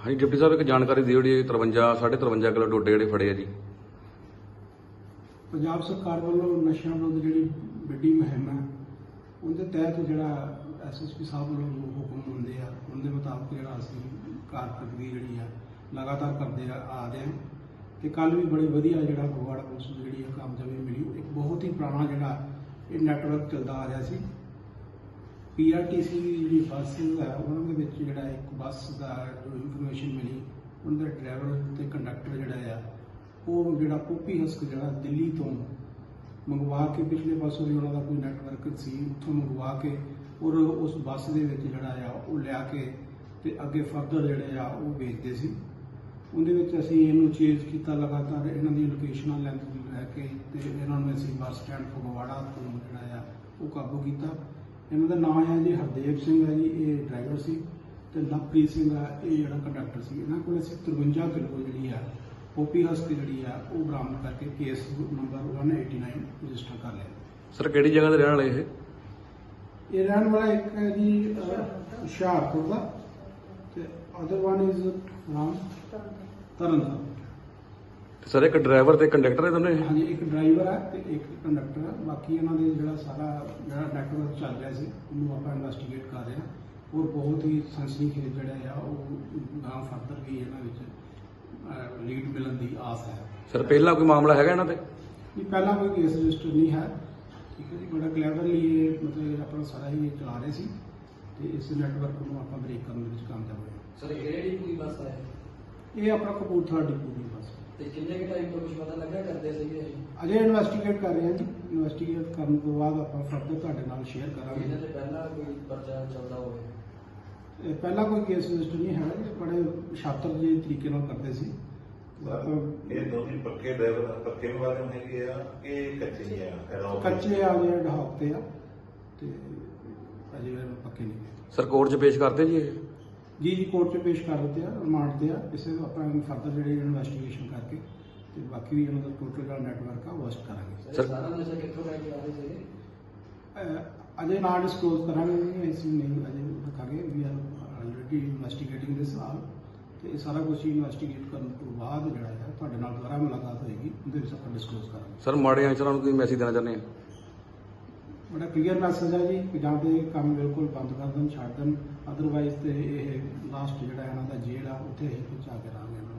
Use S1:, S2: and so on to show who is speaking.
S1: हाँ जी डिप्टी साहब एक जानकारी दिओ जी 53 किलो डोडे ਜਿਹੜੇ ਫੜੇ ਆ ਜੀ।
S2: ਪੰਜਾਬ ਸਰਕਾਰ ਵੱਲੋਂ ਨਸ਼ਿਆਂ ਵਿਰੁੱਧ ਜਿਹੜੀ ਵੱਡੀ ਮੁਹਿੰਮ ਹੈ ਉਹਦੇ ਤਹਿਤ ਜਿਹੜਾ ਐਸਐਸਪੀ ਸਾਹਿਬ ਵੱਲੋਂ ਹੁਕਮ ਹੁੰਦੇ ਆ ਉਹਦੇ ਮੁਤਾਬਕ ਜਿਹੜਾ ਅਸੀਂ ਕਾਰਜਕਰਵਾਈ ਜਿਹੜੀ ਆ ਲਗਾਤਾਰ ਕਰਦੇ ਆ ਰਹੇ ਹਾਂ ਤੇ ਕੱਲ ਵੀ ਬੜੀ ਵਧੀਆ ਜਿਹੜਾ ਫਗਵਾੜਾ ਪੁਲਿਸ ਨੂੰ ਜਿਹੜੀ ਕਾਮਯਾਬੀ ਮਿਲੀ। ਇੱਕ ਬਹੁਤ ਹੀ ਪੁਰਾਣਾ ਜਿਹੜਾ ਇਹ ਨੈਟਵਰਕ ਚੱਲਦਾ ਆ ਰਿਹਾ ਸੀ। ਪੀਆਰਟੀਸੀ ਦੀ ਜਿਹੜੀ ਬੱਸ ਹੈ ਉਹਨਾਂ ਦੇ ਵਿੱਚ ਜਿਹੜਾ ਇੱਕ ਬੱਸ ਦਾ ਜੋ ਇਨਫੋਰਮੇਸ਼ਨ ਮਿਲੀ ਉਹਦਾ ਡਰਾਈਵਰ ਤੇ ਕੰਡਕਟਰ ਜਿਹੜਾ ਆ ਉਹ ਜਿਹੜਾ ਪੋਪੀ ਹਸਕ ਜਿਹੜਾ ਦਿੱਲੀ ਤੋਂ ਮੰਗਵਾ ਕੇ ਪਿਛਲੇ ਪਾਸੋਂ ਵੀ ਉਹਨਾਂ ਦਾ ਕੋਈ ਨੈਟਵਰਕ ਸੀ ਉੱਥੋਂ ਮੰਗਵਾ ਕੇ ਔਰ ਉਸ ਬੱਸ ਦੇ ਵਿੱਚ ਜਿਹੜਾ ਆ ਉਹ ਲਿਆ ਕੇ ਤੇ ਅੱਗੇ ਫਰਦਰ ਜਿਹੜੇ ਆ ਉਹ ਵੇਚਦੇ ਸੀ। ਉਹਦੇ ਵਿੱਚ ਅਸੀਂ ਇਹਨੂੰ ਚੇਂਜ ਕੀਤਾ ਲਗਾਤਾਰ ਇਹਨਾਂ ਦੀ ਲੋਕੇਸ਼ਨਾਂ ਲੈ ਕੇ ਤੇ ਇਹਨਾਂ ਨੂੰ ਅਸੀਂ ਬੱਸ ਸਟੈਂਡ ਫਗਵਾੜਾ ਤੋਂ ਜਿਹੜਾ ਆ ਉਹ ਕਾਬੂ ਕੀਤਾ। ਇਹਨਾਂ ਦਾ ਨਾਮ ਹੈ ਜੀ ਹਰਦੇਵ ਸਿੰਘ ਹੈ ਜੀ, ਇਹ ਡਰਾਈਵਰ ਸੀ ਤੇ ਲਵਪ੍ਰੀਤ ਸਿੰਘ ਹੈ ਇਹ ਜਿਹੜਾ ਕੰਡਕਟਰ ਸੀ। ਇਹਨਾਂ ਕੋਲ ਅਸੀਂ 53 ਕਿਲੋ ਜਿਹੜੀ ਆ ਪੋਪੀ ਹਸਕ ਜਿਹੜੀ ਆ ਉਹ ਬਰਾਮਦ ਕਰਕੇ ਕੇਸ ਨੰਬਰ 189 ਰਜਿਸਟਰ ਕਰ ਲਿਆ।
S1: ਸਰ ਕਿਹੜੀ ਜਗ੍ਹਾ ਤੇ ਰਹਿਣ ਵਾਲੇ
S2: ਇਹ ਰਹਿਣ ਵਾਲਾ ਇੱਕ ਹੈ ਜੀ ਹੁਸ਼ਿਆਰਪੁਰ ਦਾ ਤੇ other one is Tarn Taran.
S1: Sir ਇੱਕ ਡਰਾਈਵਰ ਤੇ ਕੰਡਕਟਰ ਹੈ ਦੋਨੇ?
S2: ਹਾਂਜੀ ਇੱਕ ਡਰਾਈਵਰ ਹੈ ਤੇ ਇੱਕ ਕੰਡਕਟਰ ਹੈ। ਬਾਕੀ ਇਹਨਾਂ ਦੇ ਜਿਹੜਾ ਸਾਰਾ ਜਿਹੜਾ ਨੈਟਵਰਕ ਚੱਲ ਰਿਹਾ ਸੀ ਉਹਨੂੰ ਆਪਾਂ ਇਨਵੈਸਟੀਗੇਟ ਕਰ ਰਹੇ ਹਾਂ ਔਰ ਬਹੁਤ ਹੀ ਸਨਸਨੀਖੇਜ਼ ਜਿਹੜਾ ਆ ਉਹ ਗਾਂ ਫਰਦਰ ਵੀ ਇਹਨਾਂ ਵਿੱਚ ਲੀਡ ਮਿਲਣ ਦੀ ਆਸ ਹੈ।
S1: ਸਰ ਪਹਿਲਾਂ ਕੋਈ ਮਾਮਲਾ ਹੈਗਾ ਇਹਨਾਂ ਤੇ?
S2: ਨਹੀਂ ਪਹਿਲਾਂ ਕੋਈ ਕੇਸ ਰਜਿਸਟਰ ਨਹੀਂ ਹੈ। ਠੀਕ ਹੈ ਜੀ, ਬੜਾ ਕਲੈਵਰਲੀ ਇਹ ਮਤਲਬ ਆਪਣਾ ਸਾਰਾ ਹੀ ਚਲਾ ਰਹੇ ਸੀ ਤੇ ਇਸ ਨੈਟਵਰਕ ਨੂੰ ਆਪਾਂ ਬ੍ਰੇਕ ਕਰਨ ਦੇ ਵਿੱਚ ਕਾਮਯਾਬ ਹੋਏ।
S3: ਸਰ ਕਿਹੜੀ ਪੂਰੀ ਬੱਸ ਹੈ
S2: ਇਹ ਆਪਣਾ ਕਪੂਰਥਲਾ ਡਿਪੂ ਦੀ ਬੱਸ
S3: ਤੇ ਕਿੰਨੇ ਕੁ ਟਾਈਮ ਤੋਂ ਕੁਝ ਪਤਾ ਲੱਗਾ ਕਰਦੇ ਸੀਗੇ?
S2: ਅਜੇ ਇਨਵੈਸਟੀਗੇਟ ਕਰ ਰਹੇ ਹਾਂ ਜੀ। ਇਨਵੈਸਟੀਗੇਟ ਕਰਨ ਤੋਂ ਬਾਅਦ ਆਪਾਂ ਫਰਦਰ ਤੁਹਾਡੇ ਨਾਲ ਸ਼ੇਅਰ ਕਰਾਂਗੇ।
S3: ਇਹਨਾਂ ਤੇ ਪਹਿਲਾਂ ਕੋਈ ਪਰਚਾ ਚੱਲਦਾ ਹੋਵੇ?
S2: ਇਹ ਪਹਿਲਾਂ ਕੋਈ ਕੇਸ ਰਜਿਸਟਰ ਨਹੀਂ ਹੈਗਾ ਜੀ, ਬੜੇ ਸ਼ਾਤਰ ਜਿਹੇ ਤਰੀਕੇ ਨਾਲ ਕਰਦੇ ਸੀ।
S4: ਇਹ ਦੋਨੇ ਪੱਕੇ ਡਰਾਈਵਰ ਪੱਕੇ ਮੁਲਾਜ਼ਮ ਹੈਗੇ ਆ ਇਹ ਕੱਚੇ ਆ?
S2: ਕੱਚੇ ਆ ਜਿਹੜੇ ਢਹਾਕ ਤੇ ਆ ਤੇ ਅਜੇ ਪੱਕੇ ਨਹੀਂ।
S1: ਸਰ ਕੋਰਟ 'ਚ ਪੇਸ਼ ਕਰਦੇ ਜੀ ਇਹ?
S2: ਜੀ ਕੋਰਟ 'ਚ ਪੇਸ਼ ਕਰ ਦਿੱਤੇ ਆ, ਰਿਮਾਂਡ ਤੇ ਆ। ਕਿਸੇ ਨੂੰ ਆਪਾਂ ਫਰਦਰ ਜਿਹੜੀ ਇਨਵੈਸਟੀਗੇਸ਼ਨ ਕਰਕੇ ਤੇ ਬਾਕੀ ਵੀ ਇਹਨਾਂ ਦਾ ਟੋਟਲ ਜਿਹੜਾ ਨੈਟਵਰਕ ਆ ਉਹ ਅਰੈਸਟ ਕਰਾਂਗੇ।
S3: ਸਰ ਸਾਰਾ ਨਸ਼ਾ ਕਿੱਥੋਂ ਲੈ ਕੇ ਆ ਰਹੇ ਸੀਗੇ?
S2: ਅਜੇ ਨਾ ਡਿਸਕਲੋਜ਼ ਕਰਾਂਗੇ, ਅਸੀਂ ਨਹੀਂ ਅਜੇ ਰੱਖਾਂਗੇ। We are already investigating this all ਤੇ ਇਹ ਸਾਰਾ ਕੁਝ ਇਨਵੈਸਟੀਗੇਟ ਕਰਨ ਤੋਂ ਬਾਅਦ ਜਿਹੜਾ ਹੈ ਤੁਹਾਡੇ ਨਾਲ ਦੁਬਾਰਾ ਮੁਲਾਕਾਤ ਹੋਏਗੀ, ਉਹਦੇ ਵਿੱਚ ਆਪਾਂ ਡਿਸਕਲੋਜ਼ ਕਰਾਂਗੇ।
S1: ਸਰ ਮਾੜੇ ਅਨਸਰਾਂ ਨੂੰ ਕੋਈ ਮੈਸੇਜ ਦੇਣਾ ਚਾਹੁੰਦੇ ਆ?
S2: ਬੜਾ ਕਲੀਅਰ ਮੈਸੇਜ ਹੈ ਜੀ ਕਿ ਜਾਂ ਤੇ ਕੰਮ ਬਿਲਕੁਲ ਬੰਦ ਕਰ ਦੇਣ, ਛੱਡ ਦੇਣ, ਅਦਰਵਾਈਜ਼ ਤੇ ਇਹ ਲਾਸਟ ਜਿਹੜਾ ਇਹਨਾਂ ਦਾ ਜੇਲ੍ਹ ਆ ਉੱਥੇ ਹੀ ਪਹੁੰਚਾ ਕੇ ਰਾਂਗੇ।